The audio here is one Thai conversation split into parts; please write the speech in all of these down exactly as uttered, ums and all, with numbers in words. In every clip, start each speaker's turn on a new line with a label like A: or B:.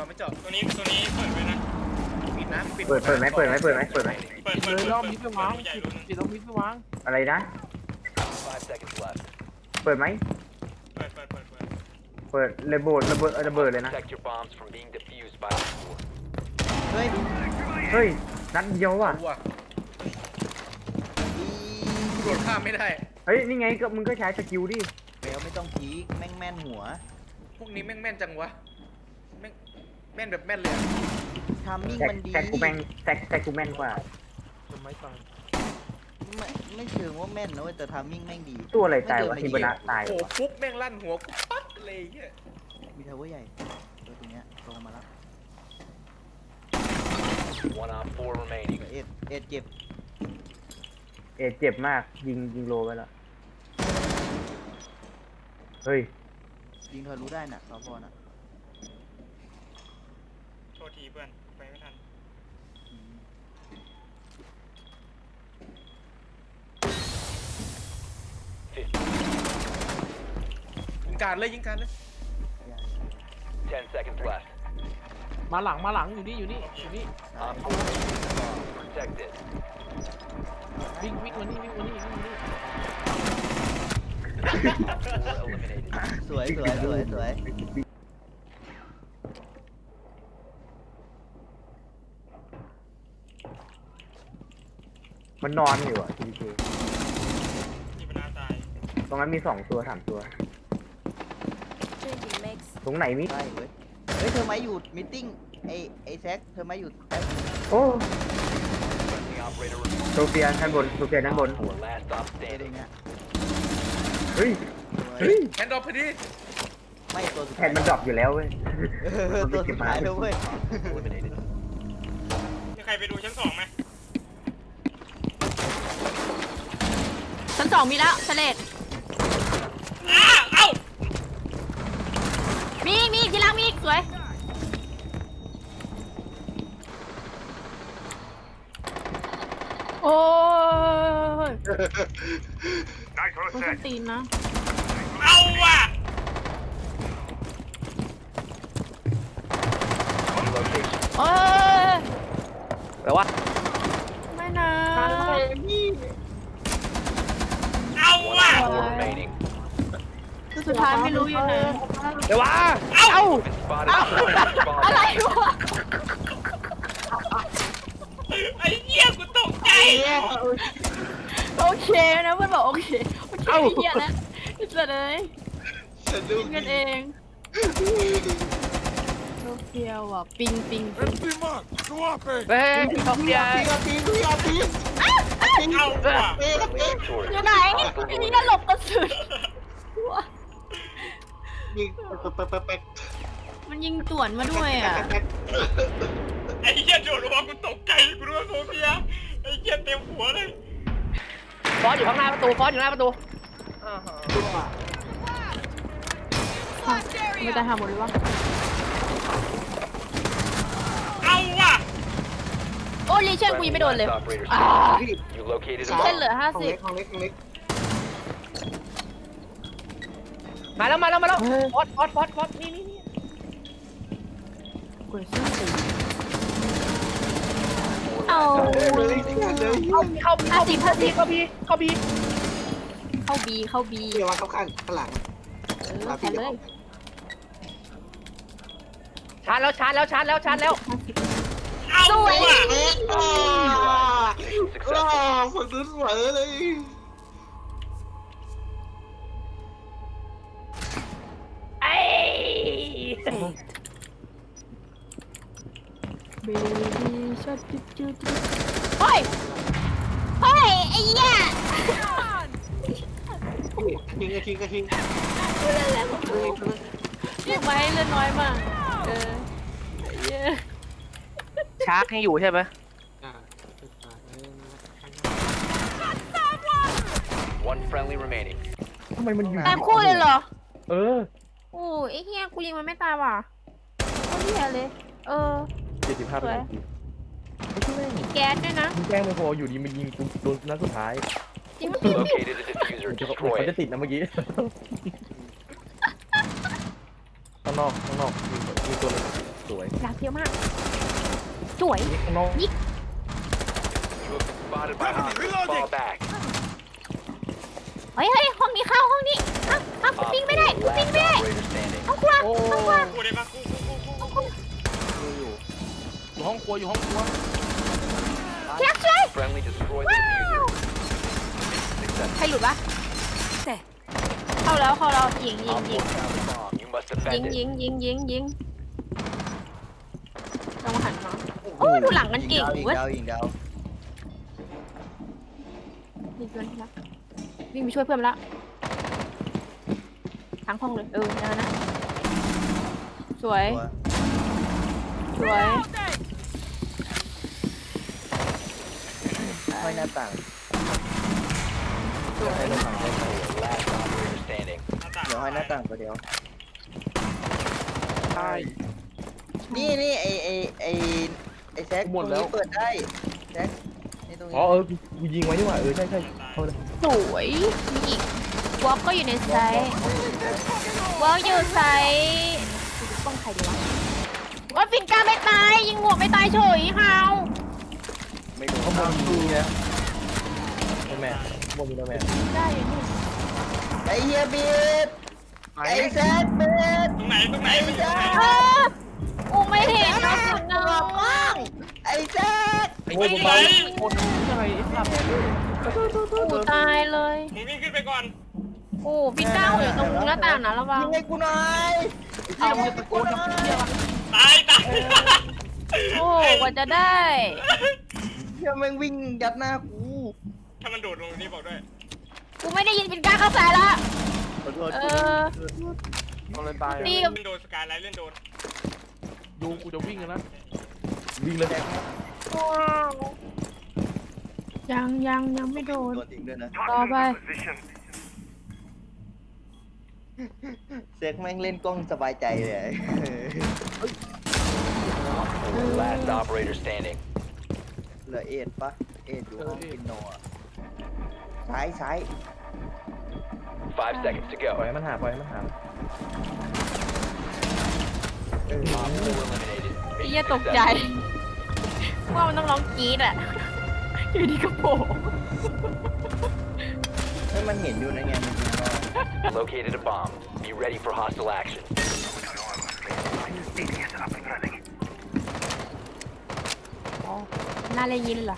A: าไม่เจาะ
B: ตัวนี้ตัวนี้เปิดไว้นะ
A: ปิดนะปิด
C: เปิดเปิดไหมเปิดไหมเปิดไหมเปิดไหม
B: เปิด
D: เล
B: เปิด
D: ย
B: เปิด
D: รอบนี้ไปวาง
B: ใหญ่
D: ปิด
B: รู้นึง
D: ปิดรอบนี้ไปวาง
C: อะไรนะ
E: Five seconds left.
C: เปิดไหม
B: เปิดเปิดเปิดเปิด
C: เปิดระเบิดระเบิดระเบิดเลยนะ
E: Protect your bombs from being defused by the four.
D: เฮ้ย
C: เฮ้ยนัดเดียวอ่ะ
A: ตัวโดดข้ามไม่ได้
C: เฮ้ยนี่ไงก็มึงก็ใช้สกิลดิ
F: เบลไม่ต้องพีคแม่งแม่นหัว
A: พวกนี้แม่งแม่นจังวะแม่งแม่นแบบแม่นเลยอะ
F: ทามมิ่ง
C: แซก
F: มันดี
C: แซกกูแม่งแซกแซกกูแม่นกว่า
D: ทำไมตาย
F: ไม่ไม่เชิงว่าแม่นนะเว้ยแต่ทามมิ่งแม่งดี
C: ตัวอะไรตายวะฮิบานะตาย
A: โอ้โห
C: วะ
A: ฟุกแม่งลั่นหัวกูปั๊บเลยเฮีย
F: มีทาวเวอร์ใหญ่ตัวตรงเนี้ยลงมาแล้ว
E: One on four remaining.
F: เอ็ดเอ็ดเจ็บ
C: เอ็ดเจ็บมากยิงยิงโลไปแล้วเฮ้ย
F: ยิงทะลุได้น่ะสพน่ะ
B: โทษทีเพื่อนไปไม่ทัน
F: อืม
A: ยิงการเลยยิงการเลย
F: อย่า
E: Ten seconds left.
D: มาหลังมาหลังอยู่นี่อยู่นี่อยู่นี่
F: อย่า
E: Op four located the bomb. Protect it.
D: วิ่งวิ่งมานี่วิ่งมานี่วิ่งมานี่
E: Four eliminated.
F: สวยสวยสวยสวย
C: มันนอนอยู่อ่ะทีเค
B: ที่มันน่าตาย
C: ตรงนั้นมีสองตัวสามตัว
G: Changing mix.
C: ตรงไหนมิ
F: ได้เว้ยเฮ้ยเธอมาอยู่มิทติ้งไอไอแซคเธอมาอยู่ใต้
C: โอ้
E: Friendly operator remaining.
C: โซเฟียด้านบนโซเฟียด้านบน
E: Four last stop
F: ตัวตรง
E: standing.
F: เนี้ย
C: เฮ้ย
F: สวย
C: เฮ้ย
A: แฮนด์ดรอปพอดี
F: ไม่ตัวสุด
C: แผ่
F: ท้าน ย
C: มันดรอปอยู่แล้วเว้ย
F: เออตัวสุดท้ายแล้วเว้ย
E: Eliminated.
B: มีใครไปดูชั้นสองไหม
G: ชั้นสองมีแล้วเฉลด
B: อ้าเอ้า
G: มีอีกมีอีกที่ล่างมีอีกสวย โอ้ยต้องตีนนะ
B: เอาว่ะ
E: Location.
G: โอ้ย
C: แปลว่า
G: ไม่นะ
B: เอาว่ะ
E: Four remaining.
G: สุดท้ายไม่รู้อยู่ไหน
C: เดี๋ยววะ
B: เอ้า
E: Been spotted. Bomb.
G: อะไรวะ
B: ไอ้เหี้ยกูตกใจ
G: โอเคนะเพื่อนบอกโอเคโอเคไอ้เหี้ยแล้วอิสระเลยกินกันเองโซเฟียว่ะปิงปิงปิง
C: เฮ้ยโซเฟีย
B: เอาว่ะ
E: Friendly victorious.
G: อยู่ไหนไอ้นี่น่าหลบกระสุนวะมันยิงต่วนมาด้วยอ่ะ
B: ไอ้เหี้ยโดนหัวกูตกใจกูรู้ว่าโซเฟียไอ้เหี้ยเต็มหัวเลย
C: ฟอสอยู่ข้างหน้าประตูฟอสอยู่หน้าประตู
G: ไม่ได้หาหมดเลยวะ
B: เอาว่ะ
G: โอ้ลีเช่นกูยังไม่โดนเลย
E: Last operator
G: อ่า
E: standing. You located a
G: เช่น
E: bomb.
G: เหลือห้าสิบ
C: มาแล้วมาแล้วมาแล้วฟอสฟอสฟอสฟอสนี่นี่นี่
G: กดซื้อสิเอา
C: เข้าเข้า
G: ห้าสิบห้าสิบ
C: เข้าบีเข้าบี
G: เข้าบีเข้าบี
H: เดี๋ยวมาเข้าข้างข้างหลัง
G: เออแค่เลย
C: ชาร์จแล้วชาร์จแล้วชาร์จแล้วชาร์จแล้ว
B: เอา
G: สวย
B: ว่ะ
H: อ้า
E: Successful.
H: ฝั่งนู้นสวยเลย
C: ไอ้
G: เบบี้ช็อตจุดจุดจุดเฮ้ยเฮ้ยไอ้เหี้ย
H: ทิ้งก็ทิ้งก็ทิ้ง
G: กูเล่นแล้วเรียกมาให้เล่นน้อยมากเออเย้
C: ชาร์จให้อยู่ใช่ไหม
H: อ่า
E: One friendly remaining.
C: ทำไมมันอยู่
G: ตามคู่เลยเหรอ
C: เออ
G: โอ้ยไอ้เหี้ยกูยิงมันไม่ตายว่ะโคตรเหี้ยเลย เออ
I: เจ็ดสิบห้า
G: ส
I: เป็น
G: วย
I: ของกู
G: มีแก๊สด้วยนะ
I: มึงแกล้งไม่พออยู่ดีมันยิงกูโดนนัดสุดท้าย
G: จริงปะ
E: Located a diffuser.
I: เดี๋ยว
E: Destroy
I: เขาจะ
E: it.
I: ติดนะเมื่อกี้ ข้างนอกข้างนอกมีมีตัวหนึงสวย
G: หลังเยอะมาก สวย
I: นี่ข้างนอก
E: You have been spotted by hostiles. Fall back.
G: เฮ้ยเฮ้ยห้องนี้เข้าห้องนี้อ้าวอ้าวกู
E: Op
G: ปิ้งไม่ได้
E: four,
G: กูปิ้ง
E: last
G: ไม่ได้
E: operator standing.
G: ห้องครัว
D: โอ้
G: ห้องครัว
B: กูได้ปะกูกูกูกูกู
D: อยู่ห้องครัวอยู่ห้องครัว
G: แจ็คช่วย
E: Friendly destroyed the diffuser. Mission
G: ใคร
E: successful.
G: หลุดวะเข้าแล้วเข้าแล้วยิงยิง
E: Op
G: ยิง
E: four found the bomb. You must
G: ยิง
E: defend
G: ยิ
E: it.
G: งยิงยิงยิงลองหันมาโอ้ยดูหลังกันเก่ง
F: ยิง
G: เว้ย
F: ดาวยิงดาว
G: ยิงเพื่อนแล้ววิ่งไปช่วยเพื่อนละทั้งห้องเลยเออนั่นนะสวย
F: ตัว
G: สวย
F: ห้อยหน้าต่าง
G: สวย
E: Last operator standing.
F: เดี๋ยวห้อยหน้าต่างตัวเดียว
D: ใช่
F: นี่นี่ไอไอไอไอแซกตรงนี้เปิดได้แซกนี่ตรงนี้
I: อ๋อเออกูกูยิงไว้นี่หว่าเออใช่ใช่เข้าเลย
G: สวยมีอีกวอล์กก็อยู่ในไซส์วอล์กอยู่ไซส์ป้องใครดีวะว่าฟินกาไม่ตายยิงหัวไม่ตายเฉยฮาว
I: ไม่รู้ข้างบนมีนะโนแมนข้างบนมีโนแมน
G: ได้อยู่นี่
F: ไอเฮียบีดไอแซกบีด
B: ตรงไหนตรงไหน
F: ไอ
B: ไม่
F: แซ
B: ใช่
F: ก
G: เออกูไม่เห็นนะคุณน้อง
F: ไอแซก
D: ไอ้เหี้ยคนยังไงไอ้สัตว์
G: กูตายเลย
B: มึงวิ่งขึ้นไปก่อน
G: โอ้ฟินก้าอยู่ตรงหน้าต่างนะระวัง
F: ยิงให้กูหน่อย
D: เอาเงินตะโกนทำเหี้ยอะไร
B: ตายตาย
G: โอ้กว่าจะได้
F: เฮียแม่งวิ่งยัดหน้ากู
B: ถ้ามันโดดลงนี่บอกด้วย
G: กูไม่ได้ยินฟินก้าเข้าใส่ละ
F: ขอโทษ
G: เออ
D: เอาเลยตาย
G: นี่
B: เล่นโดนสกายไลท์เล่นโดน
D: ดูกูจะวิ่งกันนะ
I: วิ่งเลย
G: ยังยังยังไม่โดน
F: โดนทิ้งด้วยนะ
G: ต่อไป
F: เซ็กแม่งเล่นกล้องสบายใจเลย
E: Four, last operator standing.
F: เหลือเอ็ดปะเอ็ดอยู่ห้องปินโนอะซ้ายซ้าย
E: Five seconds to
I: ปล่อย
E: go.
I: ให้มันหาปล่อยให้มันหา
F: เออ
E: Op four eliminated.
G: ไอ้เหี้ย
E: Mission
G: ตกใจ
E: successful.
G: ว่ามันต้องร้องกรี๊ดอ่ะ อยู่ดีก็โผล่
F: เฮ้ยมันเห็นอยู่นะไงมันยิงมา
E: Located a bomb. Be ready for hostile action.
G: อ๋อน่าเลยยินเหรอ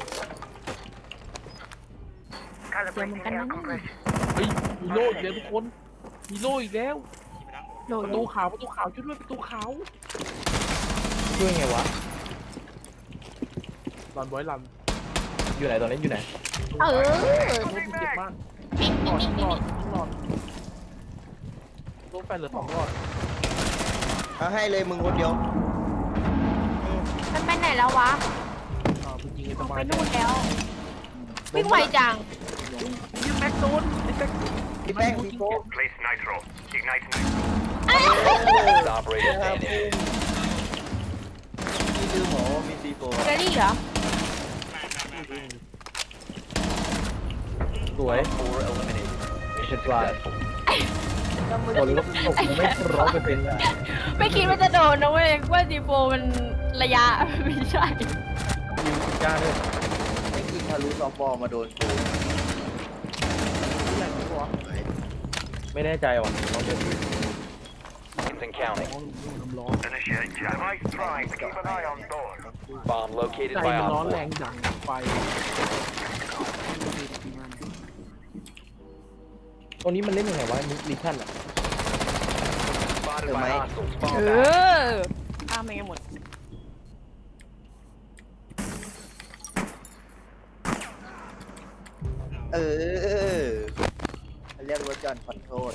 G: เสียงเหมือนกันนะนี่
D: เฮ้ยมีโล่อีกแล้วทุกคนมีโล่อีกแล้ว
G: โหล
D: ประ
G: โหล
D: ตูขาวประตูขาวช่วยด้วยประตูขาว
I: ช่วยไงวะ
D: รันไว้รัน
I: อยู่ไหนตอนนี้อยู่ไหน
G: เออ
D: โล่ที่เจ็บมาก
G: ปิ๊ง
D: หล
G: ปิ๊
D: อง ด
G: ปิ๊ง
D: หล
G: ปิ๊ง
D: อดหลอดโล่แฟนเหลือสองหลอด
F: เอาให้เลยมึงคนเดียว
G: มันไปไหนแล้ววะ
D: อ่ามึงยิงไอ้ส
G: ไป
D: มาย
G: นู่นแล้ว วิ่งไวจัง
D: ยิงแม็กโดนไอ้แม็ก
F: พี่แป้งพี่โก้
G: เอ้ย
E: Last operator standing.
F: พี่ลืมหมอมีซีโฟ
G: เกอรี่เหรอ
I: สวย
E: Four eliminated. Mission
I: Right.
E: successful.
I: คนก็ตกไม่ร้อยเปอร์เซ็นต์อะ
G: ไม่คิดว่าจะโดนนะเว้ยว่าจีโฟมันระยะ ไม่ใช่
I: ยิงสิบเก้าด้วย
F: ไม่กินทะลุซอฟต์บอลมาโดนกู
I: ไม่แน่ใจว่ะลองดู
E: Seconds and counting.
D: น้ำร้อน
E: Bomb located
D: ใจ
E: by
D: มันร้อน
E: Op
D: แร
E: four.
D: งดังไฟ
I: ตัวนี้มันเล่นยังไงวะมิชชั่นอะ
E: Spotted by hostiles.
G: เอ
E: Fall back.
G: อข้ามไปกันหมด
F: เออเรียกว่าจอห์นขอโทษ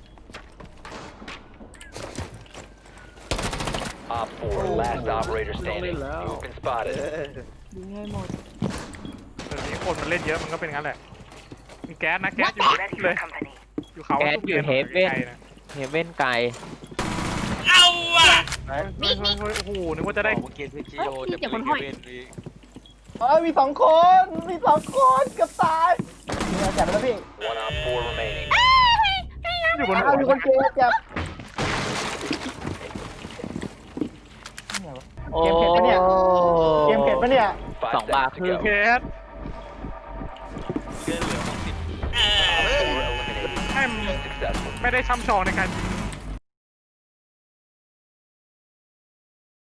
E: Op four, last operator standing. You've been
F: เอ
E: spotted.
F: อ
G: ยิงให้หมด
A: เดี๋ยวนี้คนมันเล่นเยอะมันก็เป็นงั้นแหละ มีแก๊สนะแก๊สอยู่เลย อยู่เขา
J: แก๊สอยู่เฮฟเว่น
A: ไกลๆนะ
J: เฮเว่นไกล
B: เอาว่ะ
A: เฮ้ยเฮ้ยเฮ้ยโอ้โหนึกว่าจะได้
G: เฮ้ยพี่เจ็บคนห้อย
C: เอ้ยมีสองคนมีสองคนเกับตายมีอาจับแล้วพี่
E: One op four remaining.
A: อยู่บน
C: อ้าวมีคนเจ็บเจ็บเกมเผ็ดปะเนี่ยเกมเผ็ดปะเนี่ย
E: Five
D: สองบาท
E: seconds
D: คือ
E: to
A: แค
E: go.
A: ส
B: เออ
E: Four eliminated.
A: ให้
E: Successful.
A: ไม่ได้ช่ำชองในการยิง